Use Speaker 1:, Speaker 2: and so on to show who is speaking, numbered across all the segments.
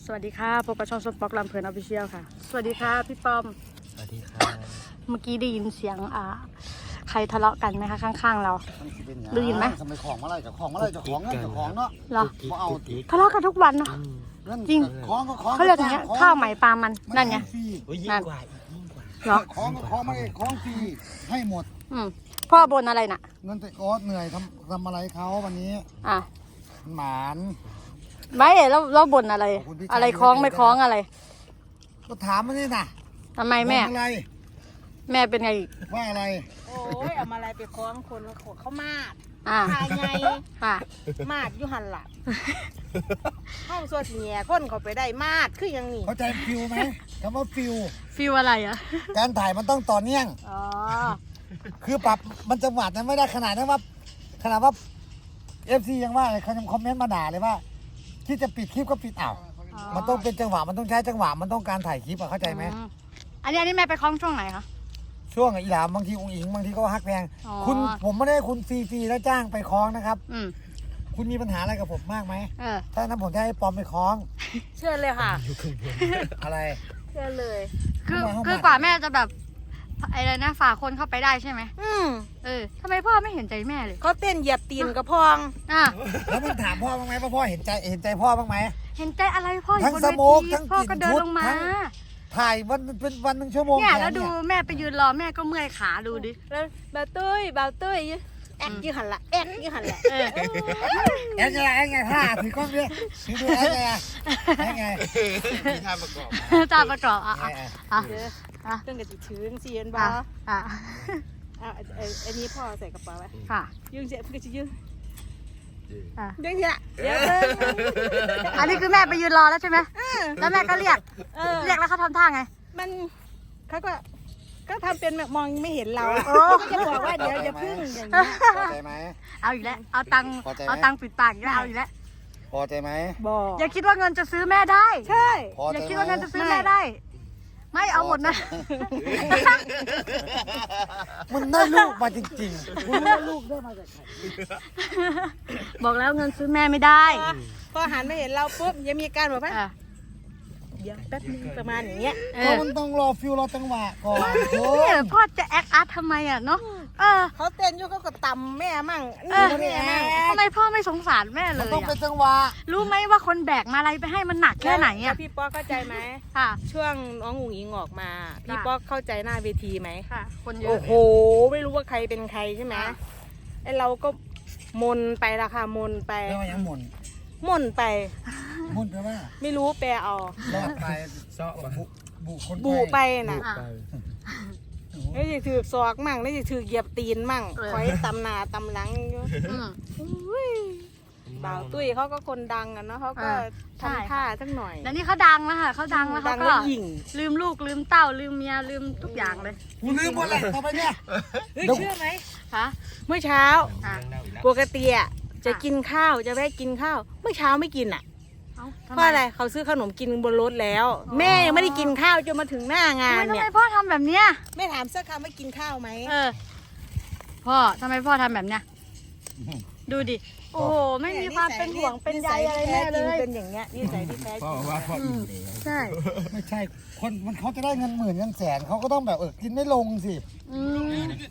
Speaker 1: สวัสดีค่ะพบกับช่องส้มป๊อกลำเพลินออฟฟิเชียลค่ะสวัสดีค่ะพี่ป้อม
Speaker 2: สวัสดีครับ
Speaker 1: เมื่อกี้ได้ยินเสียงใครทะเลาะกันไหมคะข้างๆเราได้ยินไหม
Speaker 3: ทำไมของมาไล่กับของมาไล่กับของเงินกับของเนาะ
Speaker 1: เหรอ
Speaker 3: มาเอา
Speaker 1: ทะเลาะกันทุกวันเนาะ จริง
Speaker 3: ของก็ของ
Speaker 1: เขาเรียกอย่างเงี้ยข้าวไหมปลามันนั่นไง
Speaker 3: ฟรี
Speaker 2: โอ้ยยิ่
Speaker 1: นั่
Speaker 2: ง
Speaker 1: น
Speaker 2: กว่ายิ่งกว่า
Speaker 1: เหรอ
Speaker 3: ของก็ของมาเลยของฟรีให้หมด
Speaker 1: พ่อบนอะไรน่ะ
Speaker 3: เงินแต่โอ๊ตเหนื่อยทำอะไรเขาวันนี้
Speaker 1: อ่ะ
Speaker 3: หมาน
Speaker 1: ไม่แล้วบนอะไร
Speaker 3: ขอบคุณพี่
Speaker 1: อะไร
Speaker 3: ชาย
Speaker 1: คล้องไม่คล้องอะไร
Speaker 3: ก็ถามมานี่นะ
Speaker 1: ทำไมแม่
Speaker 3: บอกอะไร
Speaker 1: แม่เป็นไงอีก
Speaker 3: ว่าอะไร
Speaker 4: โอ้ยเอามาอะไรไปคล้องคนละขวดเขามาด
Speaker 1: อ่ะ
Speaker 4: ทายไง
Speaker 1: ค่ะ
Speaker 4: มาดอยู่หันหลังห้องสวดแง่คนเขาไปได้มาดคือยังนี่
Speaker 3: เข้าใจฟิลไหมคำว่าฟิล
Speaker 1: ฟิลอะไรอ่ะ
Speaker 3: การถ่ายมันต้องต่อเนื่อง
Speaker 1: อ๋อ
Speaker 3: คือปรับมันจังหวะนั้นไม่ได้ขนาดนั้นว่าFC ยังว่าเลยเขายังคอมเมนต์มาด่าเลยว่าที่จะปิดคลิปก็ปิดอ้าวมันต้องเป็นจังหวะมันต้องใช้จังหวะมันต้องการถ่ายคลิปอะเข้าใจไหม
Speaker 1: อันนี้แม่ไปคล้องช่วงไหนคะ
Speaker 3: ช่วงอีหลามบางทีองค์อิงบางทีก็ฮักแพง
Speaker 1: อ๋อ
Speaker 3: คุณผมไม่ได้ให้คุณฟรีๆแล้วจ้างไปคล้องนะครับ
Speaker 1: อืม
Speaker 3: คุณมีปัญหาอะไรกับผมมากไหม
Speaker 1: เออ
Speaker 3: ถ้านั้นผมจะให้ปอมไปคล้อง
Speaker 4: เชื่อเลยค่ะ
Speaker 3: อะไร
Speaker 4: เชื่อเลย
Speaker 1: คือกว่าแม่จะแบบอะไรนะฝ่าคนเข้าไปได้ใช่ไหม ทำไมพ่อไม่เห็นใจแม่เลย
Speaker 4: เขาเต้นเหยียบตีนกระพอง
Speaker 1: อ่ะ
Speaker 3: แล้วมึงถามพ่อบ้างไหมว่าพ่อเห็นใจพ่อบ้างไหม
Speaker 1: เห็นใจอะไรพ่ออยู่
Speaker 3: ทั้ง
Speaker 1: บน
Speaker 3: ส
Speaker 1: เว
Speaker 3: โมก
Speaker 1: ที
Speaker 3: ทั้ง
Speaker 1: พ่อก็
Speaker 3: กลิ่น
Speaker 1: เดิน
Speaker 3: ชุด
Speaker 1: ลงมา
Speaker 3: ทั้ง ถ่ายวันเป็นวันหนึ่งชั่วโมง
Speaker 1: เนี่ย
Speaker 3: แข
Speaker 1: แล้วดู
Speaker 3: เนี่ย
Speaker 1: แม่ไปยืนรอแม่ก็เมื่อยขาดูดิ
Speaker 4: แล้วบ่าวตุ้ยแอกอยู่หันละแอกอยู่หันละ
Speaker 1: เออ
Speaker 3: แอนไงท่าถือกล้องดิถือดูแอนไง
Speaker 2: มีท่าประกอบ
Speaker 1: ตาประกอบอ่ะ
Speaker 3: แอนไง
Speaker 1: อ่ะ
Speaker 4: เด้อ
Speaker 1: อ่ะ
Speaker 4: เรื่องกับจิถือเสียนบ่
Speaker 1: อ่ะอ่ะ
Speaker 4: อันนี้พ่อใส่กระเป๋าไว้
Speaker 1: ค่ะ
Speaker 4: ยืงเสียเพื่อจะยืง
Speaker 1: อ่ะ
Speaker 4: ยืงเสียเดี๋ยวเบิ่ง
Speaker 1: อันนี้คือแม่ไปยืนรอแล้วใช่ไหมแล้วแม่ก็เรียก
Speaker 4: เออ
Speaker 1: เรียกแล้วเขาทำท่าไง
Speaker 4: มันเขาก็ทำเป็นแบบมองไม่เห็นเรา
Speaker 1: โอ้
Speaker 4: ก็จะบอกว่าเดี๋ยวอย่าพึ่งอย่างนี้
Speaker 3: พอใจไหม
Speaker 1: เอาอีกแล้วเอาตังค์
Speaker 3: พอใจไหม
Speaker 1: เอาตังค์ปิดปากอีกแล้วเอาอีกแล้ว
Speaker 3: พอใจไหม
Speaker 4: บอก
Speaker 1: อย่าคิดว่าเงินจะซื้อแม่ได้
Speaker 4: ใช่
Speaker 3: พอ
Speaker 1: อย่า
Speaker 3: ใจ
Speaker 1: คิด
Speaker 3: ไหม
Speaker 1: ว่าเงินจะซื้อแม่ได้ ไม่เอาหมดนะ
Speaker 3: มันได้ลูกมาจริงๆคุณได้ลูกได้มาจากใคร
Speaker 1: บอกแล้วเงินซื้อแม่ไม่ได้
Speaker 4: พอหันมาเห็นเราปุ๊บยังมีการบอกว่า
Speaker 1: อ่ะ
Speaker 4: เดี๋ยวแป๊บนึงประมาณอย่างเงี้ย
Speaker 1: เอ
Speaker 3: เพราะ
Speaker 1: อ
Speaker 3: มันต้องรอฟิลรอจังหวะก่อนโอ้
Speaker 1: เนี่ยพ่อจะแอคอาร์ตทำไมอ่ะเนาะ
Speaker 4: เขาเต้นอยู่เขาก็ตำแม่มั่ง
Speaker 1: เออ
Speaker 4: นี่แม่มั่ง
Speaker 1: ทำไมพ่อไม่สงสารแม่เล
Speaker 3: มัน
Speaker 1: ย
Speaker 3: ต้อง
Speaker 1: อ่ะ
Speaker 3: เป็นจังหวะ
Speaker 1: รู้ไหมว่าคนแบกมาอะไรไปให้มันหนักแค่ไหน
Speaker 4: แล้
Speaker 1: อ่ะ
Speaker 4: วพี่ป๊อกเข้าใจไหม
Speaker 1: ค่ะ
Speaker 4: ช่วงน้องอุ๋งอิงออกมา พี่
Speaker 1: ค่ะ
Speaker 4: ป๊อกเข้าใจหน้าเวทีไหม
Speaker 1: ค่ะ คนเยอะ
Speaker 4: โอ้โห ไม่รู้ว่าใครเป็นใครใช่ไหม
Speaker 1: ค่ะ
Speaker 4: ไอเราก็มนไปละค่ะมนไป
Speaker 3: เรียกว่ายังหมุน
Speaker 4: มนไป
Speaker 3: หมุนแปลว่า
Speaker 4: ไม่รู้แปลเอา
Speaker 3: รอดไป
Speaker 2: เซาะปะ
Speaker 3: บุคน
Speaker 4: บูไปน่ะ
Speaker 1: อ่ะ
Speaker 4: นี่จะถือศอกมั่งนี่จะถือเหยียบตีนมั่ง
Speaker 1: เออ
Speaker 4: คอยตำหนาตำหลังอยู่
Speaker 1: อืม
Speaker 4: อุ้ยบ่าวตุ้ยเขาก็คนดังอะเนาะเขาก็
Speaker 1: ใช่
Speaker 4: ทำท่าสักหน่อย
Speaker 1: แล้วนี่เขาดังแล้วค่ะเขาดังแล้ว
Speaker 4: ดั
Speaker 1: เขา
Speaker 4: ง
Speaker 1: ก็
Speaker 4: แล้วหยิ่ง
Speaker 1: ลืมลูกลืมเต้าลืมเมียลืมทุกอย่างเลย
Speaker 3: กูลืมหมดเลยต่อไปเนี่ย
Speaker 4: เฮ้ยเชื่อไหม
Speaker 1: ค่ะ
Speaker 4: เมื่อเช้า
Speaker 1: อ่ะ
Speaker 2: เน่าอีกแล้ว
Speaker 4: ปกติอะจะกินข้าวจะแวะกินข้าวเมื่อเช้าไม่กินอะ
Speaker 1: เอ้าทำ
Speaker 4: เพ
Speaker 1: ไม
Speaker 4: ราะอะไรเขาซื้อขนมกินบนรถแล้ว แม่ยังไม่ได้กินข้าวจนมาถึงหน้างาน
Speaker 1: ทำ
Speaker 4: เนี่
Speaker 1: ไม
Speaker 4: ย
Speaker 1: พ่อทำแบบเนี้ย
Speaker 4: แม่ถามสักคำว่ากินข้าวไหม
Speaker 1: พ่อทำไมพ่อทำแบบเนี้ยดูดิโอ้โหไม่มีความเป็นห่วงเป็นใยอะไรแม่เลย
Speaker 4: เป็นอย่างเงี้ยนิสัยที่แท้จ
Speaker 2: พ่อ
Speaker 4: ริง
Speaker 2: ว่าพ่ออิ่มเลย
Speaker 1: ใช่
Speaker 3: ไม่ใช่คนมันเขาจะได้เงินหมื่นเงินแสนเขาก็ต้องแบบกินไม่ลงสิ
Speaker 1: อืม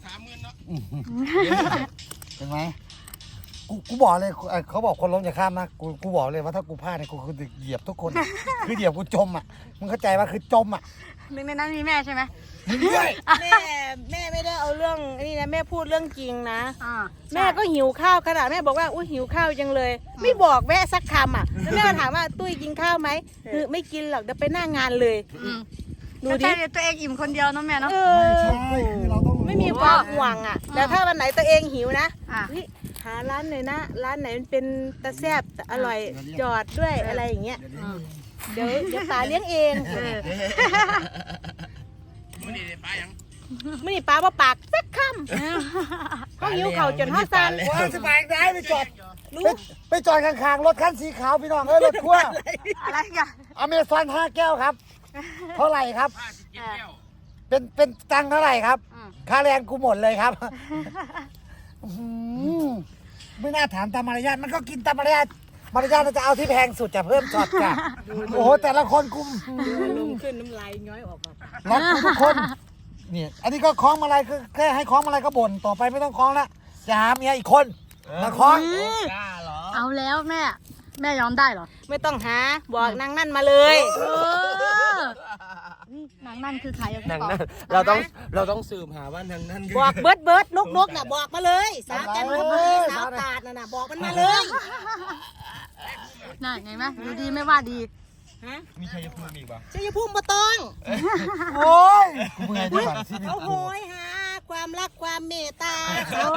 Speaker 3: เห็นไหมกูบอกเลยเขาบอกคนล้มอย่าข้ามนะกูบอกเลยว่าถ้ากูพลาดเนี่ยกูคือเหยียบทุกคน คือเหยียบกูจมอ่ะมึงเข้าใจว่าคือจมอ่ะ
Speaker 1: หนึ่งในนั้นมีแม่ใช่ไหม
Speaker 3: มึงด้วย
Speaker 4: แม่ไม่ได้เอาเรื่องนี่นะแม่พูดเรื่องจริงนะ
Speaker 1: อ่า
Speaker 4: แม่ก็หิวข้าวขนาดแม่บอกว่าอุ้ยหิวข้าวจังเลย ไม่บอกแม่สักคำอ่ะแล้วแม่ก็ถามว่าตุ้ยกินข้าวไหมคือไม่กินหรอกเดี๋ยวไปหน้างานเลย
Speaker 1: อืม
Speaker 4: ดู
Speaker 1: ดู
Speaker 4: ดิ
Speaker 1: ดิตัวเองอิ่มคนเดียวเนาะแม่เนาะ
Speaker 4: เอ
Speaker 3: ไม่
Speaker 4: อ
Speaker 3: ใช่คือเราต้องรู้
Speaker 4: ไม่มีความห่วงอ่ะแต่ถ้าวันไหนตัวเองหิวนะ
Speaker 1: อ่ะ
Speaker 4: เฮ้ยหาร้านหน่อยนะร้านไหนมันเป็นตะแซ่บตะอร่อยจอดด้วยอะไรอย่างเงี้ย
Speaker 1: อืม
Speaker 4: เดี๋ยวตาเลี้ยงเอง
Speaker 1: เออ
Speaker 4: ไม่นี่ป้าว่าปากสักคำเขาหิวเขาจนห้าซัน
Speaker 3: ว่าสบายได้ไปจอดไปจอดข้างๆรถคันสีขาวพี่น้องรถขั้ว
Speaker 1: อะไรกัน
Speaker 3: อเมซอน5 แก้วครับ เท่าไหร่ครับ
Speaker 1: เออ
Speaker 3: เป็นตังค์เท่าไหร่ครับ
Speaker 1: อืม
Speaker 3: ค่าแรงกูหมดเลยครับอื้อหือไม่น่าถามตามมารยาทมันก็กินตามมารยาทมารยาทเราจะเอาที่แพงสุดจะเพิ่มช็อตจ้ะโอ้โหแต่ละคนกุม
Speaker 4: ลงขึ้นน้ำลายย้อยออกมา
Speaker 3: รักทุกคนเนี่ยอันนี้ก็คล้องมาลัยคือแค่ให้คล้องมาลัยก็บ่นต่อไปไม่ต้องคล้องละจะหาเมียอีกคนมาคล้อง
Speaker 2: กล้าเหรอ
Speaker 1: เอาแล้วแม่ยอมได้เหรอ
Speaker 4: ไม่ต้องหาบอกนางนั่นมาเลย
Speaker 1: เออนางนั่นคือใครอะพี่
Speaker 2: นั่ง
Speaker 1: ปอ
Speaker 2: นั่นเราต้องสืบหาว่าทางนั้น
Speaker 4: บอกเบิร์ดนกน่ะบอกมาเลยสาวแก้มขบุรีสาวตาดน่ะบอกมันมาเลย
Speaker 1: น่ะไงไหมดูดีไม่ว่าดี
Speaker 4: ฮะ
Speaker 2: มีใครจะพูดอีกป่ะ
Speaker 4: ชัยภูมิบ่ต้อง
Speaker 3: โอ้ยกูเมื่อยดีกว่าชีวิต
Speaker 4: เขาโห
Speaker 3: กู
Speaker 4: ยหาความรักความเมตตา
Speaker 1: โอ้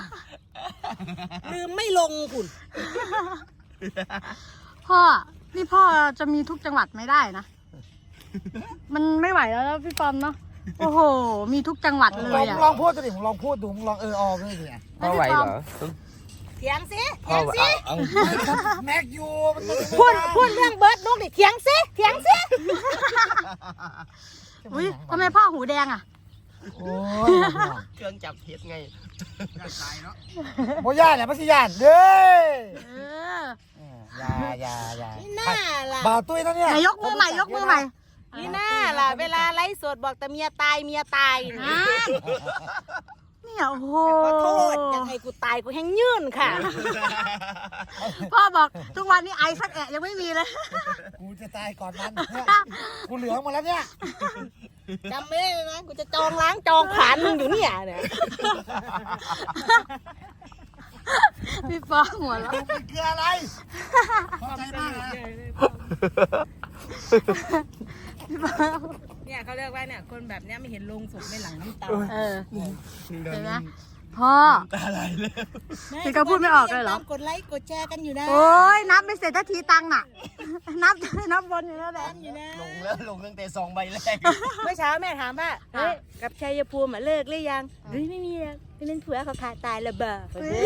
Speaker 4: ลืมไม่ลงคุณ
Speaker 1: พ่อนี่พ่อจะมีทุกจังหวัดไม่ได้นะ มันไม่ไหวแล้วนะพี่ปอมเนาะโอ้โห มีทุกจังหวัดเลยอ่ะ
Speaker 3: ลองพูดดิมึงลองพูดดูมึงลองออด้วยดิ
Speaker 2: พ่อไหวเหรอ
Speaker 4: เถียงสิ
Speaker 2: พ่อ
Speaker 4: เถียง
Speaker 2: เอา
Speaker 4: สิ
Speaker 3: แม็กยูมันไม่
Speaker 4: พูดเรื่องเบิร์ดนกนี่เถียงสิเถียงสิ
Speaker 1: อุ้ยทำไมพ่อหูแดงอ่ะ
Speaker 3: โอ้ย
Speaker 2: เครื่องจับเท็จไง
Speaker 3: โมย่าเนี่ยไม่ใช่ย่านเด้อ
Speaker 1: เออ
Speaker 3: อย่า
Speaker 4: นี่น่าล่ะ
Speaker 3: บ่าวตุ้ยนะเนี่ย
Speaker 1: ไหนยกมือใหม่ยกมือใหม่
Speaker 4: นี่น่าล่ะเวลาไลฟ์สดบอกแต่เมียตายนะ
Speaker 1: เนี่ยโอ้โห
Speaker 4: ขอโทษอยากให้กูตายกูแห้งยื่นค่ะ
Speaker 1: พ่อบอกทุกวันนี้ไอสักแอะยังไม่มีเลย
Speaker 3: กูจะตายก่อนมันเนี่ยกูเหลืองหมดแล้วเนี่ย
Speaker 4: จำไม่ได้เลยนะกูจะจองล้างจองผ่านมึงอยู่เนี่ย
Speaker 1: พี่ปอหัวเราะ
Speaker 3: เป็นเกลืออะไรพอใจมากนะ
Speaker 1: พี่ปอ
Speaker 4: เนี่ยเขาเรียกว่าเนี่ยคนแบบเนี้ยไม่เห็นลงศพในหลังน้ำตา
Speaker 1: เออเห็นไหมพ่อ
Speaker 2: อะไรเลย
Speaker 1: พี่ก็พูดไม่ออกเลยเหรอ
Speaker 4: กดไลค์กดแชร์กันอยู่นะ
Speaker 1: โอ้ยนับไม่เสร็จทันทีตังค์น่ะ นับบนอยู่แล้วแหละ
Speaker 4: อยู่นะ
Speaker 2: ลงแล้วลงตั้งแต่2 ใบแรก
Speaker 4: เมื่อเช้าแม่ถามว่าเฮ้ยกับชัยภูมิเลิกหรือยังเฮ้ยไม่มีแล้วเป็นผัวเขาขาดตายระเบิด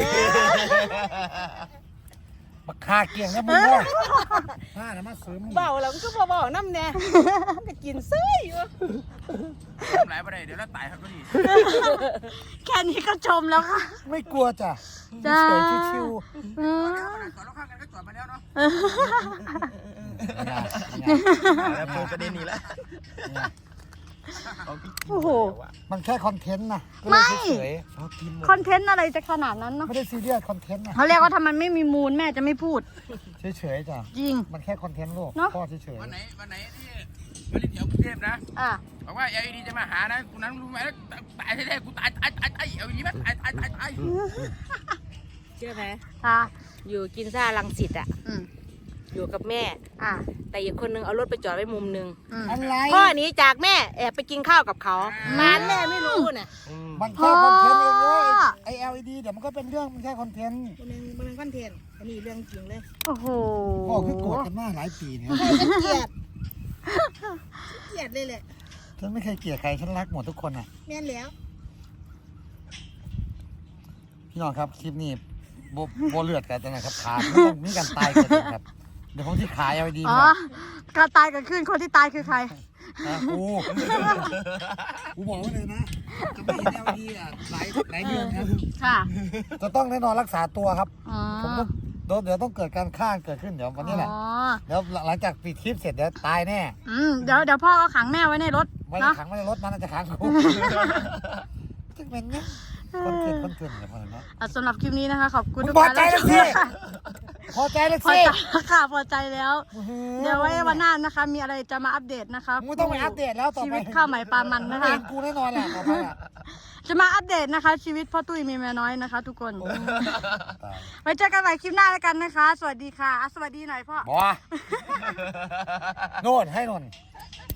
Speaker 3: มาคาเกี่ยงนะมึงเนี่ยผ้านะมาซื้อมึง
Speaker 4: เบาแล้วก็เบาๆน้ำเนี่ยก็กินซื้ออยู่
Speaker 2: ทำไรไปเดี๋ยวเราตายครับก็ดี
Speaker 1: แค่นี้ก็ชมแล้วค่ะ
Speaker 3: ไม่กลัวจ้ะ
Speaker 1: จ้า
Speaker 3: เฉยๆชิว
Speaker 1: เออ
Speaker 2: ก่อนเราข้างกันก็จอดมาแล้วเนาะ
Speaker 3: ๆ
Speaker 2: แล้วเปิดประเด็นนี้แล้ว
Speaker 1: โอ้โห
Speaker 3: มันแค่คอนเทนต์นะก็
Speaker 1: ไม่
Speaker 3: เลยเฉยๆเอากินหมด
Speaker 1: คอนเทนต์อะไรจะขนาดนั้นเนาะ
Speaker 3: ไม่ได้ซีเรียสคอนเทนต์นะ
Speaker 1: เขาเรียกว่าถ้ามันไม่มีมูลแม่จะไม่พูด
Speaker 3: เฉยๆจ้ะ
Speaker 1: จริง
Speaker 3: มันแค่คอนเทนต์โลก
Speaker 1: เนอะ
Speaker 3: พ่อเฉย
Speaker 2: วันไหนที่มาเล่นแถวกรุงเทพนะ
Speaker 1: อ่ะ
Speaker 2: บอกว่า LED จะมาหานะกูนั้นรู้ไหมแล้วตายแท้ๆกูตาย LED มั้ยตาย
Speaker 4: เชื่อไหม
Speaker 1: อ่ะ
Speaker 4: อยู่กินซ่าลังสิตอ่ะ
Speaker 1: อืม
Speaker 4: อยู่กับแม่
Speaker 1: อ่ะ
Speaker 4: แต่อีกคนนึงเอารถไปจอดไว้มุมนึง
Speaker 1: อืม
Speaker 3: ๆอะไร
Speaker 4: พ่อหนี้จากแม่แอบไปกินข้าวกับเขามานแม่ไม่รู้น่ะ
Speaker 3: มันแค่คอนเทนต์เองเลยไอ LED เดี๋ยวมันก็เป็นเรื่องมันแค่คอนเทนต์
Speaker 4: มันเป็นคอนเทนต์อันนี้เรื่องจริงเลย
Speaker 1: โอ้โห
Speaker 3: พ่อคือโกรธกันมาหลายปีเนี่ย
Speaker 4: เกลียดเกลียดเลยแหละ
Speaker 3: ฉันไม่เคยเกลียดใครฉันรักหมดทุกคนอ่ะ
Speaker 4: แม่นแล้ว
Speaker 3: พี่น้องครับคลิปนี้โบเลือดกันนะครับขาไม่ต้องมีการตายกันเลยครับเดี๋ยวผมที่ขาย LED
Speaker 1: อ๋อ
Speaker 3: มา
Speaker 1: การตายเกิดขึ้นคนที่ตายคือใคร
Speaker 3: นะกูบอกไว้เลยนะจะไม่เห็น LED อ่ะหลายเดือนครับ
Speaker 1: ค่ะ
Speaker 3: จะต้องแน่นอนรักษาตัวครับ
Speaker 1: อ๋อ
Speaker 3: ผมต้องเดี๋ยวต้องเกิดการฆ่าเกิดขึ้นเดี๋ยววันนี้แหละ
Speaker 1: อ๋อ
Speaker 3: เดี๋ยวหลังจากปิดคลิปเสร็จเดี๋ยวตายแน่
Speaker 1: เดี๋ยวพ่อก็ขังแม่ไว้ในรถ
Speaker 3: ไม่ได้
Speaker 1: เนาะ
Speaker 3: ขังไม่ได้รถมันจะขังกูจะเป็นเงี้ยคนเกินเนี่ยพอแล้ว
Speaker 1: สำหรับคลิปนี้นะคะ ขอบคุณ
Speaker 3: มึง
Speaker 1: ทุก
Speaker 3: พอ
Speaker 1: ท่าน
Speaker 3: ใจแล้วสิพอใจแล้ว
Speaker 1: พอ
Speaker 3: สิ
Speaker 1: ใจค่ะพอใจแล้ว เดี๋ยวไว้วันหน้านะคะ มีอะไรจะมาอัปเดตนะคะ
Speaker 3: มึงต้องไปอัปเดตแล้วต่อ
Speaker 1: ชี
Speaker 3: ไป
Speaker 1: วิตข้าวใหม่ปลามันนะคะ
Speaker 3: เห็นกูแน่นอนแหละต่อไปอ่ะ
Speaker 1: จะมาอัปเดตนะคะ ชีวิตพ่อตุ้ยมีเมียน้อยนะคะ ทุกคน ไว้เจอกันใหม่คลิปหน้าแล้วกันนะคะ สวัสดีค่ะสวัสดีหน่อยพ่อ
Speaker 3: บอกว่าโน่นให้นน